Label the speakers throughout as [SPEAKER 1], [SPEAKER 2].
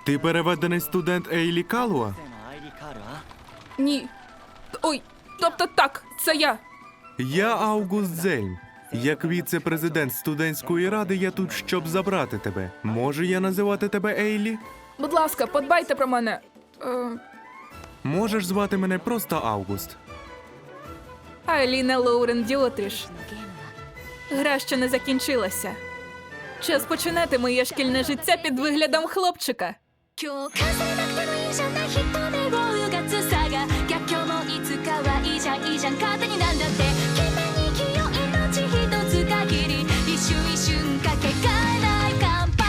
[SPEAKER 1] Ти переведений студент Ейлі Калуа?
[SPEAKER 2] Ні. Ой, тобто так, це я.
[SPEAKER 1] Я Аугуст Зельм. Як віце-президент студентської ради, я тут, щоб забрати тебе. Можу я називати тебе Ейлі?
[SPEAKER 2] Будь ласка, подбайте про мене.
[SPEAKER 1] Можеш звати мене просто Аугуст.
[SPEAKER 2] Айліна Лоурен Діотріш. Гра ще не закінчилася. Час починати моє шкільне життя під виглядом хлопчика.
[SPEAKER 3] 今日返されなくてもいいじゃない人目をうがつさが逆境もいつかはいいじゃんいいじゃん勝手になんだって懸命に生きよう命一つ限り一瞬一瞬かけがえない乾杯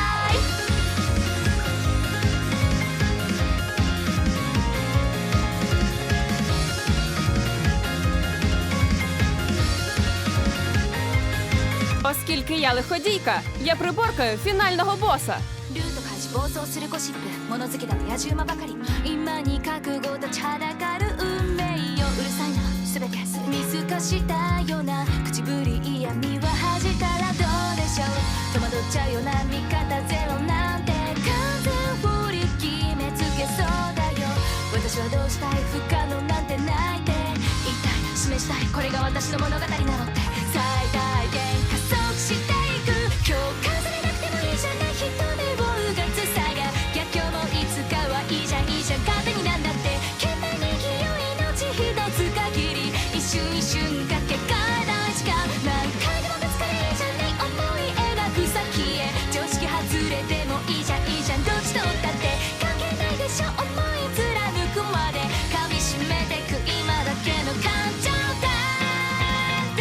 [SPEAKER 2] Оскільки я лиходійка, я приборкаю фінального боса.
[SPEAKER 3] ルート開始暴走するゴシップ物好きだって野獣馬ばかり今に覚悟立ちはだかる運命ようるさいな全て見透かしたような口ぶり嫌味は恥じたらどうでしょう戸惑っちゃうような味方ゼロなんて完全振り決めつけそうだよ私はどうしたい不可能なんてないって言いたい示したいこれが私の物語なのって最大限加速していく今日飾れなくてもいいじゃない人目をうがつさが逆境もいつかはいいじゃんいいじゃん勝手になんだって懸命に生きよう命一つ限り一瞬一瞬かけがえない時間何回でもぶつかれいいじゃない思い描く先へ常識外れてもいいじゃんいいじゃんどっちとったって関係ないでしょ思い貫くまで噛みしめてく今だけの感情だって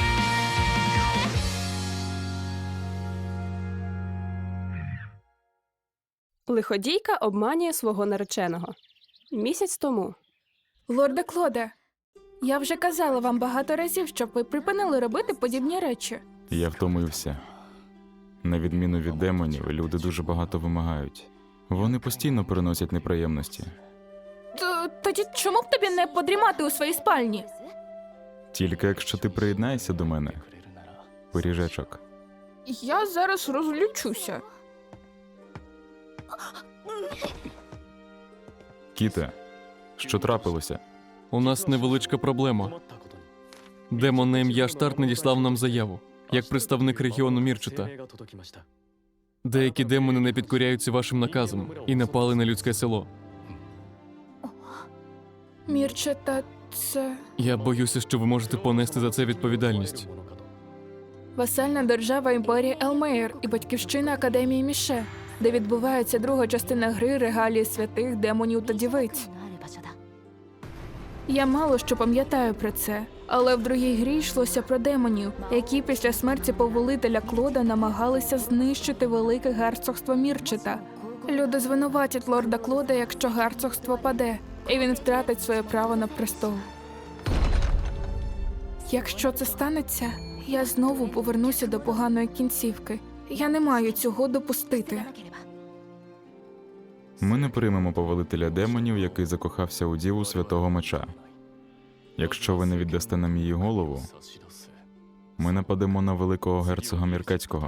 [SPEAKER 4] Лиходійка обманює свого нареченого. Місяць тому.
[SPEAKER 2] Лорде Клоде, я вже казала вам багато разів, щоб ви припинили робити подібні речі.
[SPEAKER 5] Я втомився. На відміну від демонів, люди дуже багато вимагають. Вони постійно приносять неприємності.
[SPEAKER 2] Тоді чому б тобі не подрімати у своїй спальні?
[SPEAKER 5] Тільки якщо ти приєднаєшся до мене, пиріжечок.
[SPEAKER 2] Я зараз розлючуся.
[SPEAKER 5] Кіте, що трапилося?
[SPEAKER 6] У нас невеличка проблема. Демон на ім'я Штарт надіслав нам заяву, як представник регіону Мірчета. Деякі демони не підкоряються вашим наказам і напали на людське село.
[SPEAKER 2] Мірчета, це
[SPEAKER 6] Я боюся, що ви можете понести за це відповідальність.
[SPEAKER 2] васальна держава імперії Елмейр і батьківщина Академії Міше, де відбувається друга частина гри регалії святих, демонів та дівиць. Я мало що пам'ятаю про це, але в другій грі йшлося про демонів, які після смерті повелителя Клода намагалися знищити велике герцогство Мірчета. Люди звинуватять лорда Клода, якщо герцогство паде, і він втратить своє право на престол. Якщо це станеться, я знову повернуся до поганої кінцівки. Я не маю цього допустити.
[SPEAKER 5] Ми не приймемо повелителя демонів, який закохався у діву святого меча. Якщо ви не віддасте нам її голову, ми нападемо на великого герцога Міркецького.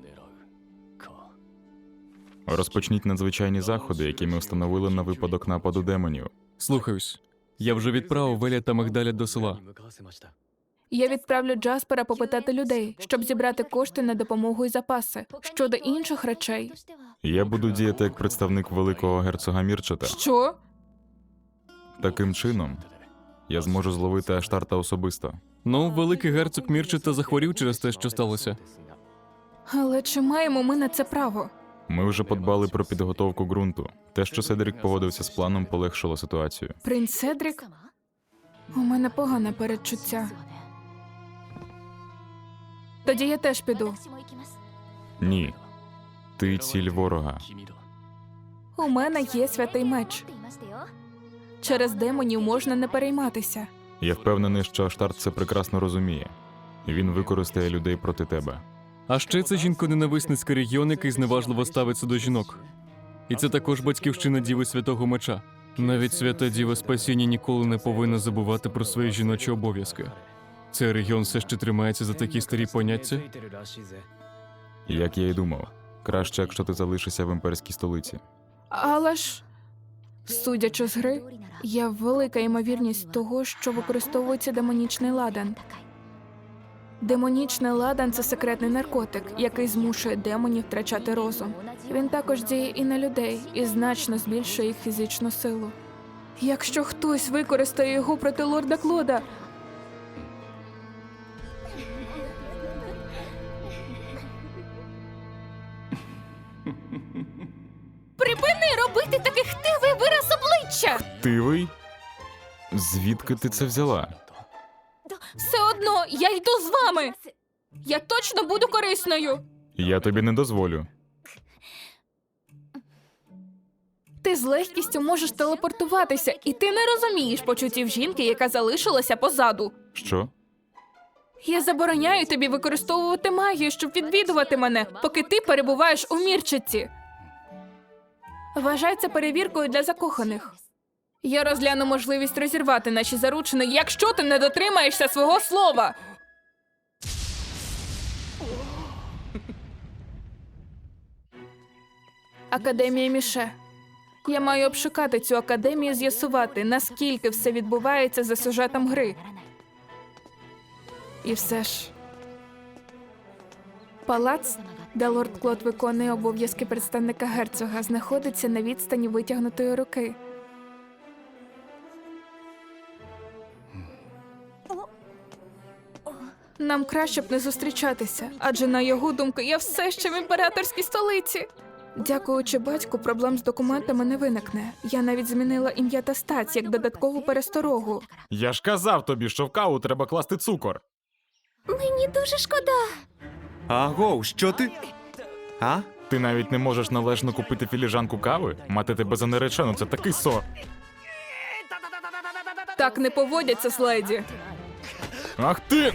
[SPEAKER 5] Розпочніть надзвичайні заходи, які ми встановили на випадок нападу демонів.
[SPEAKER 6] Слухаюсь. Я вже відправив Веля та Мигдаля до села.
[SPEAKER 2] Я відправлю Джаспера попитати людей, щоб зібрати кошти на допомогу і запаси. Щодо інших речей.
[SPEAKER 5] Я буду діяти як представник великого герцога Мірчета.
[SPEAKER 2] Що?
[SPEAKER 5] Таким чином, я зможу зловити Аштарта особисто.
[SPEAKER 6] Ну, великий герцог Мірчета захворів через те, що сталося.
[SPEAKER 2] Але чи маємо ми на це право?
[SPEAKER 5] Ми вже подбали про підготовку ґрунту. Те, що Седрік погодився з планом, полегшило ситуацію.
[SPEAKER 2] Принц Седрік? У мене погане передчуття. Тоді я теж піду.
[SPEAKER 5] Ні. Ти ціль ворога.
[SPEAKER 2] У мене є святий меч. Через демонів можна не перейматися.
[SPEAKER 5] Я впевнений, що Аштарт це прекрасно розуміє. Він використає людей проти тебе.
[SPEAKER 6] А ще це жінко-ненависницький регіон, який зневажливо ставиться до жінок. І це також батьківщина Діви Святого Меча. Навіть свята Діва Спасіння ніколи не повинна забувати про свої жіночі обов'язки. Цей регіон все ще тримається за такі старі поняття?
[SPEAKER 5] Як я й думав, краще, якщо ти залишишся в імперській столиці.
[SPEAKER 2] Але ж, судячи з гри, є велика ймовірність того, що використовується демонічний ладан. Демонічний ладан – це секретний наркотик, який змушує демонів втрачати розум. Він також діє і на людей, і значно збільшує їх фізичну силу. Якщо хтось використає його проти лорда Клода, припини робити такий хтивий вираз обличчя!
[SPEAKER 5] Тивий? Звідки ти це взяла?
[SPEAKER 2] Все одно, я йду з вами! Я точно буду корисною!
[SPEAKER 5] Я тобі не дозволю.
[SPEAKER 2] Ти з легкістю можеш телепортуватися, і ти не розумієш почуттів жінки, яка залишилася позаду.
[SPEAKER 5] Що?
[SPEAKER 2] Я забороняю тобі використовувати магію, щоб відвідувати мене, поки ти перебуваєш у Мірчиці. Вважай це перевіркою для закоханих. Я розгляну можливість розірвати наші заручини, якщо ти не дотримаєшся свого слова. Академія Міше. Я маю обшукати цю академію і з'ясувати, наскільки все відбувається за сюжетом гри. І все ж. Палац, де лорд Клод виконує обов'язки представника герцога, знаходиться на відстані витягнутої руки. Нам краще б не зустрічатися, адже на його думку я все ще в імператорській столиці. Дякуючи батьку, проблем з документами не виникне. Я навіть змінила ім'я та стать як додаткову пересторогу.
[SPEAKER 5] Я ж казав тобі, що в каву треба класти цукор.
[SPEAKER 3] Мені дуже шкода.
[SPEAKER 1] Агоу, що ти? А?
[SPEAKER 5] Ти навіть не можеш належно купити філіжанку кави? Мати тебе за наречену – це такий сор.
[SPEAKER 2] Так не поводяться з леді.
[SPEAKER 5] Ах ти!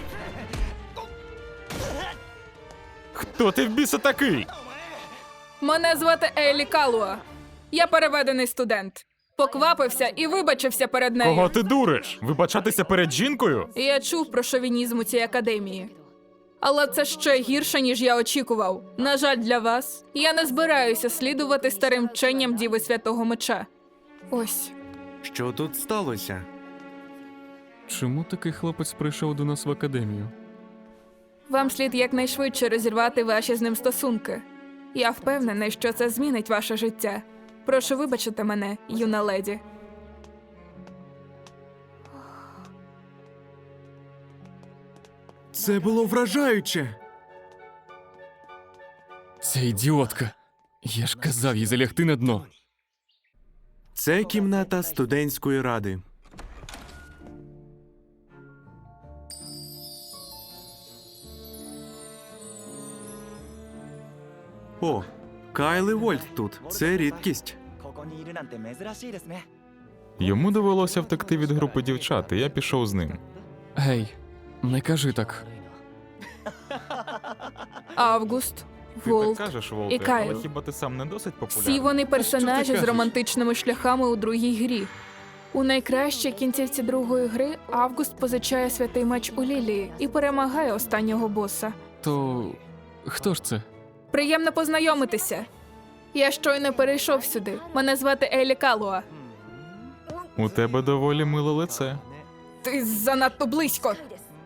[SPEAKER 5] Хто ти в біса такий?
[SPEAKER 2] Мене звати Ейлі Калуа. Я переведений студент. Поквапився і вибачився перед нею.
[SPEAKER 5] Кого ти дуриш? Вибачатися перед жінкою?
[SPEAKER 2] Я чув про шовінізм у цій академії. Але це ще гірше, ніж я очікував. На жаль, для вас, я не збираюся слідувати старим вченням Діви Святого Меча. Ось.
[SPEAKER 1] Що тут сталося?
[SPEAKER 6] Чому такий хлопець прийшов до нас в академію?
[SPEAKER 2] Вам слід якнайшвидше розірвати ваші з ним стосунки. Я впевнений, що це змінить ваше життя. Прошу вибачити мене, юна леді.
[SPEAKER 1] Це було вражаюче!
[SPEAKER 6] Ця ідіотка. Я ж казав їй залягти на дно.
[SPEAKER 1] Це кімната студентської ради. О, Кайл і Вольт тут. Це рідкість.
[SPEAKER 7] ここにいるなんて珍しいですね。
[SPEAKER 5] Йому довелося втекти від групи дівчат, і я пішов з ним.
[SPEAKER 6] Гей, не кажи так.
[SPEAKER 2] Август,
[SPEAKER 5] Ти
[SPEAKER 2] Волт.
[SPEAKER 5] так кажеш,
[SPEAKER 2] і
[SPEAKER 5] Волте,
[SPEAKER 2] Кайл.
[SPEAKER 5] але хіба ти сам не досить популярний?
[SPEAKER 2] Всі вони персонажі з
[SPEAKER 6] кажеш?
[SPEAKER 2] романтичними шляхами у другій грі. У найкращій кінцівці другої гри Август позичає святий меч у Лілії і перемагає останнього боса.
[SPEAKER 6] То хто ж це?
[SPEAKER 2] Приємно познайомитися. Я щойно перейшов сюди. Мене звати Ейлі Калуа.
[SPEAKER 5] У тебе доволі миле лице.
[SPEAKER 2] Ти занадто близько.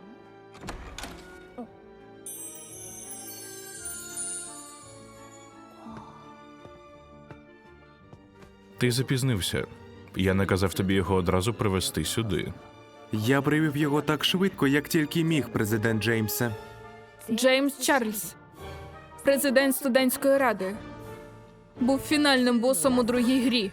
[SPEAKER 8] Ти запізнився. Я наказав тобі його одразу привезти сюди.
[SPEAKER 1] Я привів його так швидко, як тільки міг, президент Джеймсе.
[SPEAKER 2] Джеймс Чарльз, президент студентської ради. Був фінальним босом у другій грі.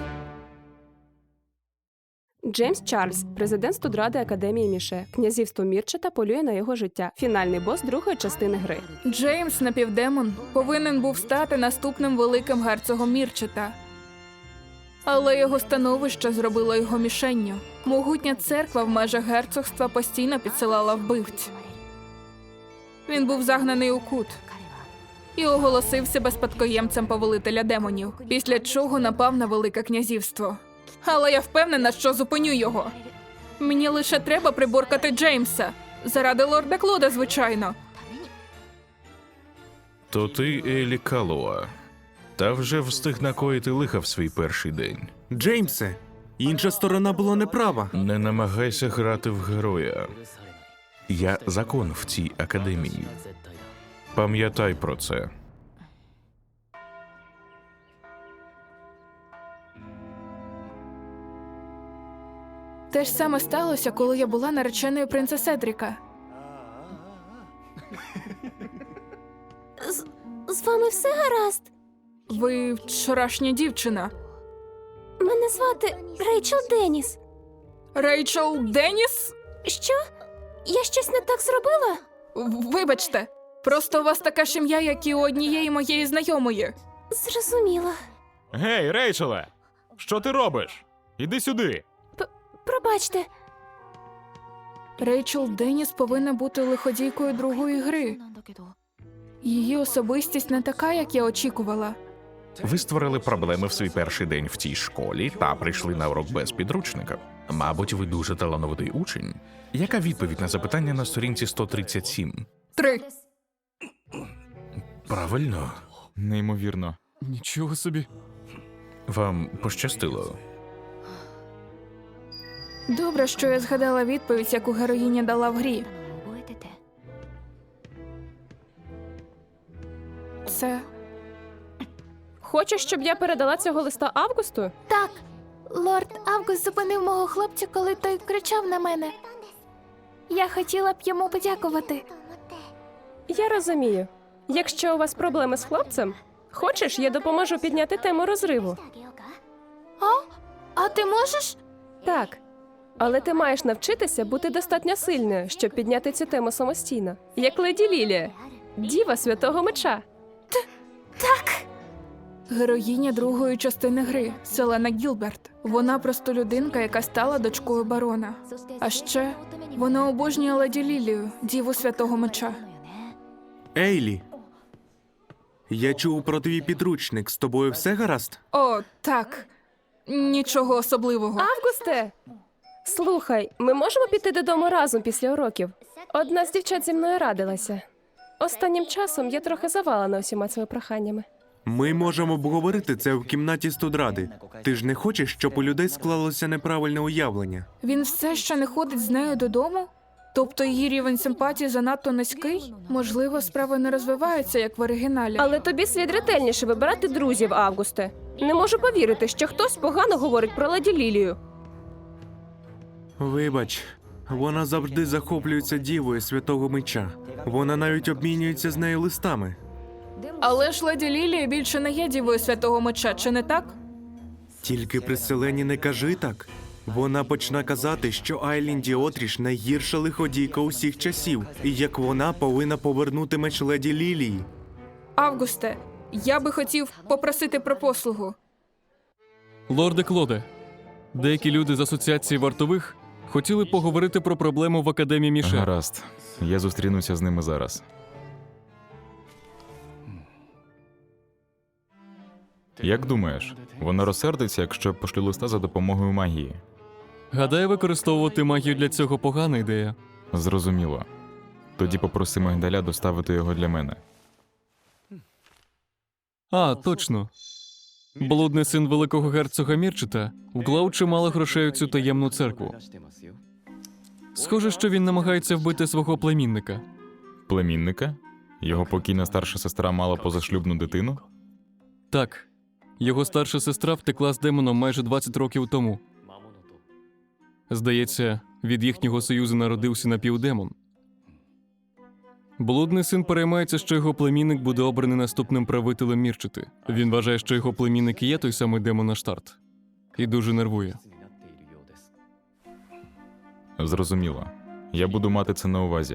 [SPEAKER 4] Джеймс Чарльз, президент студради Академії Міше. Князівство Мірчета полює на його життя. Фінальний бос другої частини гри.
[SPEAKER 2] Джеймс, напівдемон, повинен був стати наступним великим герцогом Мірчета. Але його становище зробило його мішенню. Могутня церква в межах герцогства постійно підсилала вбивць. Він був загнаний у кут і оголосив себе спадкоємцем повелителя демонів, після чого напав на Велике князівство. Але я впевнена, що зупиню його. Мені лише треба приборкати Джеймса. Заради лорда Клода, звичайно.
[SPEAKER 8] То ти Елі Калуа. Та вже встиг накоїти лиха в свій перший день.
[SPEAKER 1] Джеймсе, інша сторона була неправа.
[SPEAKER 8] Не намагайся грати в героя. Я закон в цій академії. Пам'ятай про це.
[SPEAKER 2] Те ж саме сталося, коли я була нареченою принца Седріка.
[SPEAKER 9] З вами все гаразд?
[SPEAKER 2] Ви вчорашня дівчина.
[SPEAKER 9] Мене звати Рейчел Деніс.
[SPEAKER 2] Рейчел Деніс?
[SPEAKER 9] Що? Я щось не так зробила?
[SPEAKER 2] Вибачте, просто у вас така ж ім'я, як і у однієї моєї знайомої.
[SPEAKER 9] Зрозуміла.
[SPEAKER 5] Гей, Рейчеле! Що ти робиш? Іди сюди.
[SPEAKER 9] Пробачте.
[SPEAKER 2] Рейчел Деніс повинна бути лиходійкою другої гри. Її особистість не така, як я очікувала.
[SPEAKER 8] Ви створили проблеми в свій перший день в цій школі та прийшли на урок без підручника. Мабуть, ви дуже талановитий учень. Яка відповідь на запитання на сторінці 137?
[SPEAKER 2] 3.
[SPEAKER 8] Правильно.
[SPEAKER 5] Неймовірно.
[SPEAKER 6] Нічого собі.
[SPEAKER 8] Вам пощастило.
[SPEAKER 2] Добре, що я згадала відповідь, яку героїня дала в грі.
[SPEAKER 3] 覚えてて
[SPEAKER 2] Це
[SPEAKER 4] Хочеш, щоб я передала цього листа Августу?
[SPEAKER 9] Так, лорд Август зупинив мого хлопця, коли той кричав на мене. Я хотіла б йому подякувати.
[SPEAKER 4] Я розумію. Якщо у вас проблеми з хлопцем, хочеш, я допоможу підняти тему розриву?
[SPEAKER 9] А ти можеш?
[SPEAKER 4] Так. Але ти маєш навчитися бути достатньо сильною, щоб підняти цю тему самостійно. Як леді Лілія, діва святого меча.
[SPEAKER 2] героїня другої частини гри Селена Гілберт. Вона простолюдинка, яка стала дочкою барона. А ще вона обожнює леді Лілію, діву святого меча.
[SPEAKER 1] Ейлі, я чув про твій підручник. З тобою все гаразд?
[SPEAKER 2] О, так. Нічого особливого.
[SPEAKER 4] Августе! Слухай, ми можемо піти додому разом після уроків? Одна з дівчат зі мною радилася. Останнім часом я трохи завалена усіма цими проханнями.
[SPEAKER 1] Ми можемо обговорити це в кімнаті студради. Ти ж не хочеш, щоб у людей склалося неправильне уявлення?
[SPEAKER 2] Він все ще не ходить з нею додому? Тобто її рівень симпатії занадто низький? Можливо, справи не розвиваються, як в оригіналі.
[SPEAKER 4] Але тобі слід ретельніше вибирати друзів, Августе. Не можу повірити, що хтось погано говорить про леді Лілію.
[SPEAKER 1] Вибач, вона завжди захоплюється дівою святого меча. Вона навіть обмінюється з нею листами.
[SPEAKER 2] Але ж леді Лілія більше не є дівою святого меча, чи не так?
[SPEAKER 1] Тільки при Селені не кажи так. Вона почне казати, що Айлін Діотріш найгірша лиходійка усіх часів, і як вона повинна повернути меч леді Лілії.
[SPEAKER 2] Августе, я би хотів попросити про послугу.
[SPEAKER 6] Лорде Клоде, деякі люди з асоціації вартових хотіли поговорити про проблему в академії Міше.
[SPEAKER 5] Гаразд. Я зустрінуся з ними зараз. Як думаєш, вона розсердиться, якщо я пошлю листа за допомогою магії?
[SPEAKER 6] Гадаю, використовувати магію для цього погана ідея.
[SPEAKER 5] Зрозуміло. Тоді попроси Мигдаля доставити його для мене.
[SPEAKER 6] А, точно. Блудний син великого герцога Мірчета вклав чимало грошей у цю таємну церкву. Схоже, що він намагається вбити свого племінника.
[SPEAKER 5] Племінника? Його покійна старша сестра мала позашлюбну дитину?
[SPEAKER 6] Так, його старша сестра втекла з демоном майже 20 років тому. Здається, від їхнього союзу народився напівдемон. Блудний син переймається, що його племінник буде обраний наступним правителем Мірчети. Він вважає, що його племінник і є той самий демон Аштарт. І дуже нервує.
[SPEAKER 5] Зрозуміло. Я буду мати це на увазі.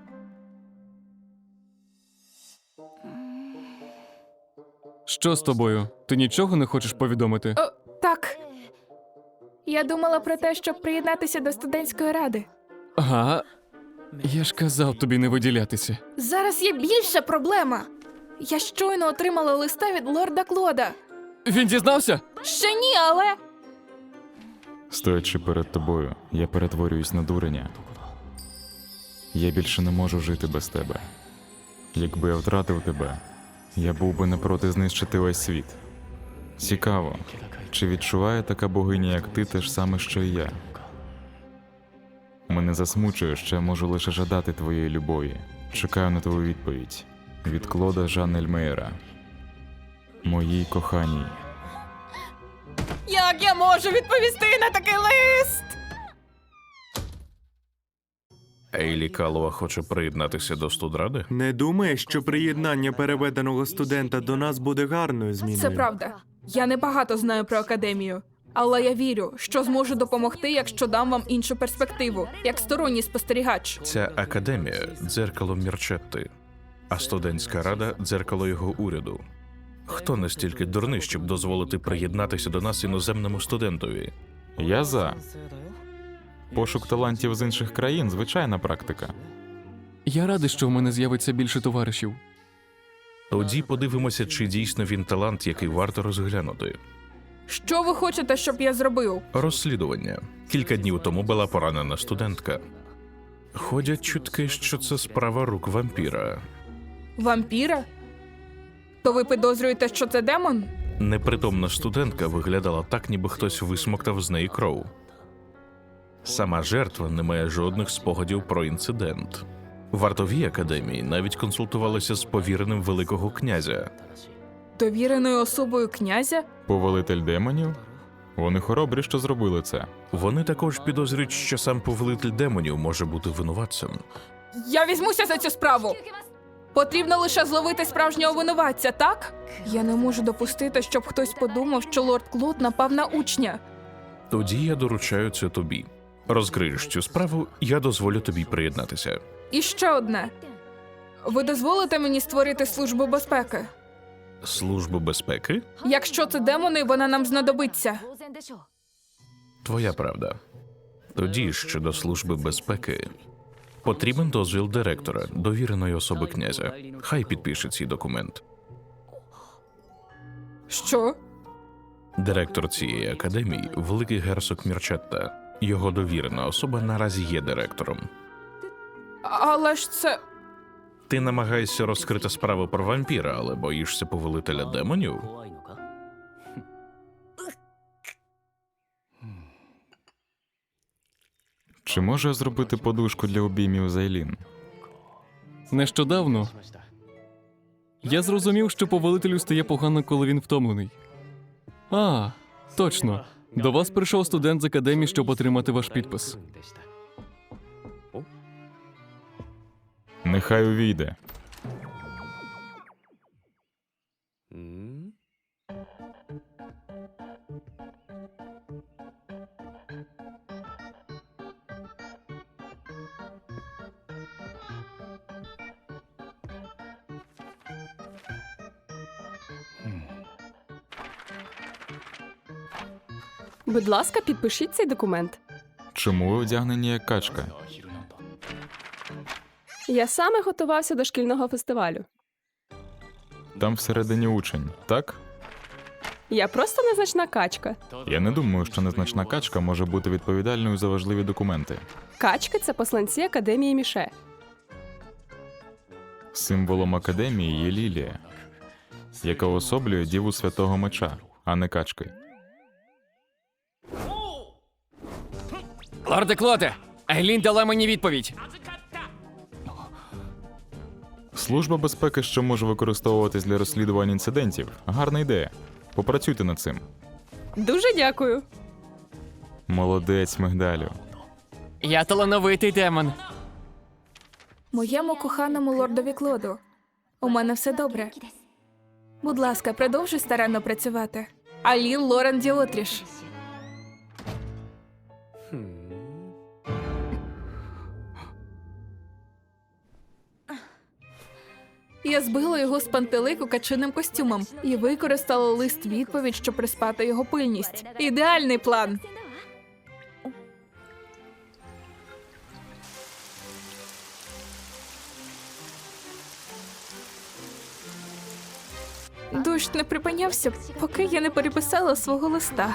[SPEAKER 6] Що з тобою? Ти нічого не хочеш повідомити?
[SPEAKER 2] Так. Я думала про те, щоб приєднатися до студентської ради.
[SPEAKER 6] Ага. Я ж казав тобі не виділятися.
[SPEAKER 2] Зараз є більша проблема. Я щойно отримала листа від лорда Клода.
[SPEAKER 6] Він дізнався?
[SPEAKER 2] Ще ні, але...
[SPEAKER 5] Стоячи перед тобою, я перетворююсь на дуреня. Я більше не можу жити без тебе. Якби я втратив тебе, Я був би не проти знищити весь світ. Цікаво, чи відчуває така богиня, як ти, те ж саме, що і я? Мене засмучує, що я можу лише жадати твоєї любові. Чекаю на твою відповідь. Від Клода Жанельмейера. Моїй коханій.
[SPEAKER 2] Як я можу відповісти на такий лист?
[SPEAKER 8] Ейлі Калова хоче приєднатися до студради?
[SPEAKER 1] Не думаєш, що приєднання переведеного студента до нас буде гарною зміною?
[SPEAKER 2] Це правда. Я небагато знаю про академію. Але я вірю, що зможу допомогти, якщо дам вам іншу перспективу, як сторонній спостерігач.
[SPEAKER 8] Ця академія – дзеркало Мірчетти, а студентська рада – дзеркало його уряду. Хто настільки дурний, щоб дозволити приєднатися до нас іноземному студентові?
[SPEAKER 5] Я за. Пошук талантів з інших країн – звичайна практика.
[SPEAKER 6] Я радий, що в мене з'явиться більше товаришів.
[SPEAKER 8] Тоді подивимося, чи дійсно він талант, який варто розглянути.
[SPEAKER 2] Що ви хочете, щоб я зробив?
[SPEAKER 8] Розслідування. Кілька днів тому була поранена студентка. Ходять чутки, що це справа рук вампіра.
[SPEAKER 2] Вампіра? То ви підозрюєте, що це демон?
[SPEAKER 8] Непритомна студентка виглядала так, ніби хтось висмоктав з неї кров. Сама жертва не має жодних спогадів про інцидент. Вартові академії навіть консультувалися з повіреним великого князя.
[SPEAKER 2] Довіреною особою князя?
[SPEAKER 5] Повелитель демонів? Вони хоробрі, що зробили це.
[SPEAKER 8] Вони також підозрюють, що сам повелитель демонів може бути винуватцем.
[SPEAKER 2] Я візьмуся за цю справу! Потрібно лише зловити справжнього винуватця, так? Я не можу допустити, щоб хтось подумав, що лорд Клод напав на учня.
[SPEAKER 8] Тоді я доручаю це тобі. Розкриєш цю справу, я дозволю тобі приєднатися.
[SPEAKER 2] І ще одне. Ви дозволите мені створити службу безпеки?
[SPEAKER 8] Службу безпеки?
[SPEAKER 2] Якщо це демони, вона нам знадобиться.
[SPEAKER 3] 当然でしょう
[SPEAKER 8] Твоя правда. Тоді щодо служби безпеки потрібен дозвіл директора, довіреної особи князя. Хай підпише цей документ.
[SPEAKER 2] Що?
[SPEAKER 8] Директор цієї академії – великий герцог Мірчетта. Його довірена особа наразі є директором.
[SPEAKER 2] Але ж це...
[SPEAKER 8] Ти намагаєшся розкрити справу про вампіра, але боїшся повелителя демонів?
[SPEAKER 5] Чи можу я зробити подушку для обіймів з Айлін?
[SPEAKER 6] Нещодавно я зрозумів, що повелителю стає погано, коли він втомлений. А, точно. До вас прийшов студент з академії, щоб отримати ваш підпис.
[SPEAKER 5] Нехай увійде.
[SPEAKER 4] Будь ласка, підпишіть цей документ.
[SPEAKER 5] Чому ви одягнені як качка?
[SPEAKER 4] Я саме готувався до шкільного фестивалю.
[SPEAKER 5] Там всередині учень, так?
[SPEAKER 4] Я просто незначна качка.
[SPEAKER 5] Я не думаю, що незначна качка може бути відповідальною за важливі документи.
[SPEAKER 4] Качки – це посланці Академії Міше.
[SPEAKER 5] Символом академії є лілія, яка особлює Діву Святого Меча, а не качки.
[SPEAKER 10] Лорде Клоде, Айлін дала мені відповідь.
[SPEAKER 5] Служба безпеки, що може використовуватись для розслідування інцидентів. Гарна ідея. Попрацюйте над цим.
[SPEAKER 4] Дуже дякую.
[SPEAKER 5] Молодець, Мигдалю.
[SPEAKER 10] Я талановитий демон.
[SPEAKER 2] Моєму коханому лордові Клоду. У мене все добре. Будь ласка, продовжуй старанно працювати. Айлін Лорен Діотріш. Я збила його з пантелику качиним костюмом і використала лист-відповідь, щоб приспати його пильність. Ідеальний план! Дощ не припинявся, поки я не переписала свого листа.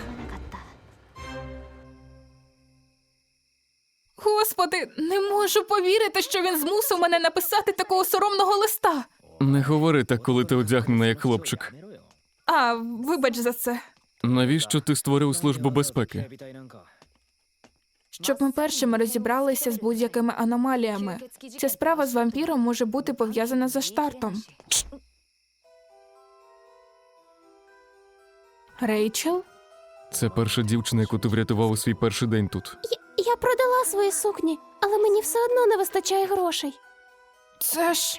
[SPEAKER 2] Господи, не можу повірити, що він змусив мене написати такого соромного листа.
[SPEAKER 6] Не говори так, коли ти одягнена як хлопчик.
[SPEAKER 2] А, вибач за це.
[SPEAKER 6] Навіщо ти створив службу безпеки?
[SPEAKER 2] Щоб ми першими розібралися з будь-якими аномаліями. Ця справа з вампіром може бути пов'язана з Аштартом. Рейчел?
[SPEAKER 6] Це перша дівчина, яку ти врятував у свій перший день тут.
[SPEAKER 9] Я продала свої сукні, але мені все одно не вистачає грошей.
[SPEAKER 2] Це ж...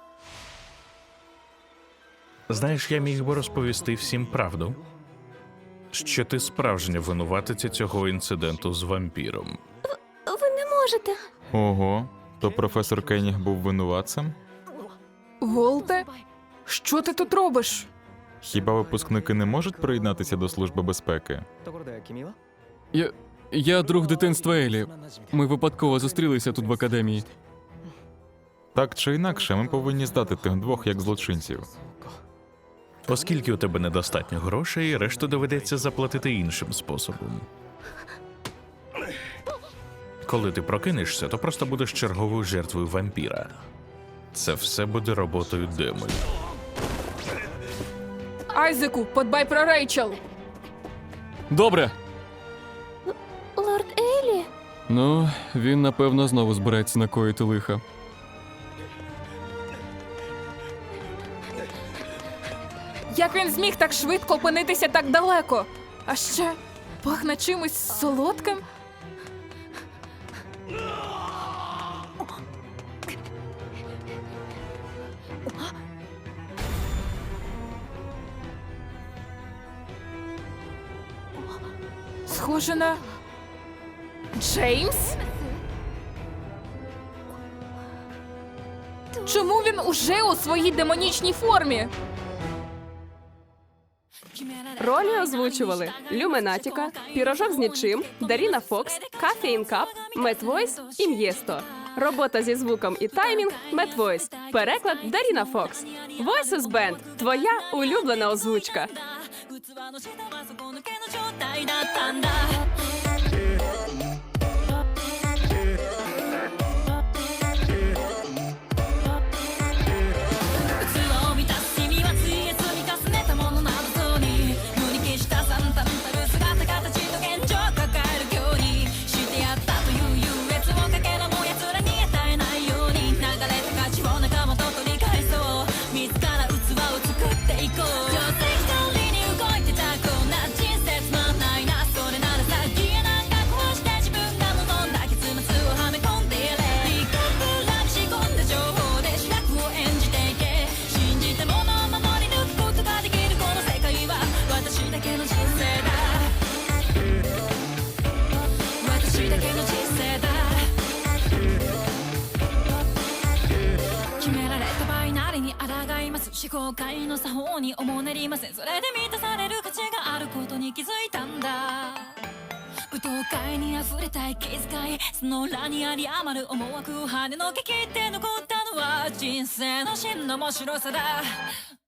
[SPEAKER 8] Знаєш, я міг би розповісти всім правду, що ти справжня винуватиця цього інциденту з вампіром.
[SPEAKER 9] Ви не можете.
[SPEAKER 5] Ого, то професор Кенніг був винуватцем?
[SPEAKER 2] Волте? Що ти тут робиш?
[SPEAKER 5] Хіба випускники не можуть приєднатися до служби безпеки?
[SPEAKER 7] ところで君は
[SPEAKER 6] Я друг дитинства Елі. Ми випадково зустрілися тут в академії.
[SPEAKER 5] Так чи інакше, ми повинні здати тих двох як злочинців.
[SPEAKER 8] Оскільки у тебе недостатньо грошей, решту доведеться заплатити іншим способом. Коли ти прокинешся, то просто будеш черговою жертвою вампіра. Це все буде роботою демонів.
[SPEAKER 2] Айзеку, подбай про Рейчел!
[SPEAKER 6] Добре.
[SPEAKER 9] Лорд Ейлі?
[SPEAKER 6] Ну, він, напевно, знову збирається накоїти лиха.
[SPEAKER 2] Як він зміг так швидко опинитися так далеко? А ще пахне чимось солодким? Схоже на... Джеймс? Чому він уже у своїй демонічній формі?
[SPEAKER 4] Ролі озвучували Люменатіка, Пірожок з нічим, Даріна Фокс, Кафеїн Кап, Мет Войс і М'єсто. Робота зі звуком і таймінг Мет Войс. Переклад Даріна Фокс. Voices Band – твоя улюблена озвучка.
[SPEAKER 3] 器の下は底抜けの状態だったんだ器を満たす君はついえ積み重ねたものなどに無に消したサンタのたる姿形と現状を抱えるようにしてやったという優越をかけらも奴らに与えないように流れた価値を仲間と取り返そう自ら器を作っていこう定石通りに動いてたこんな人生つまんないなそれならさギアなんか壊して自分が望んだ結末をはめ込んでやれ理覚らに仕込んだ情報で主役を演じていけ信じたものを守り抜くことができるこの世界は私だけの人生だ私だけの人生だ決められたバイナリに抗います思考界の作法におもねりませんそれで満たされる価値があることに気づいたんだ舞踏会に溢れた息遣いその裏にあり余る思惑を跳ねのけ切って残ったのは人生の真の面白さだ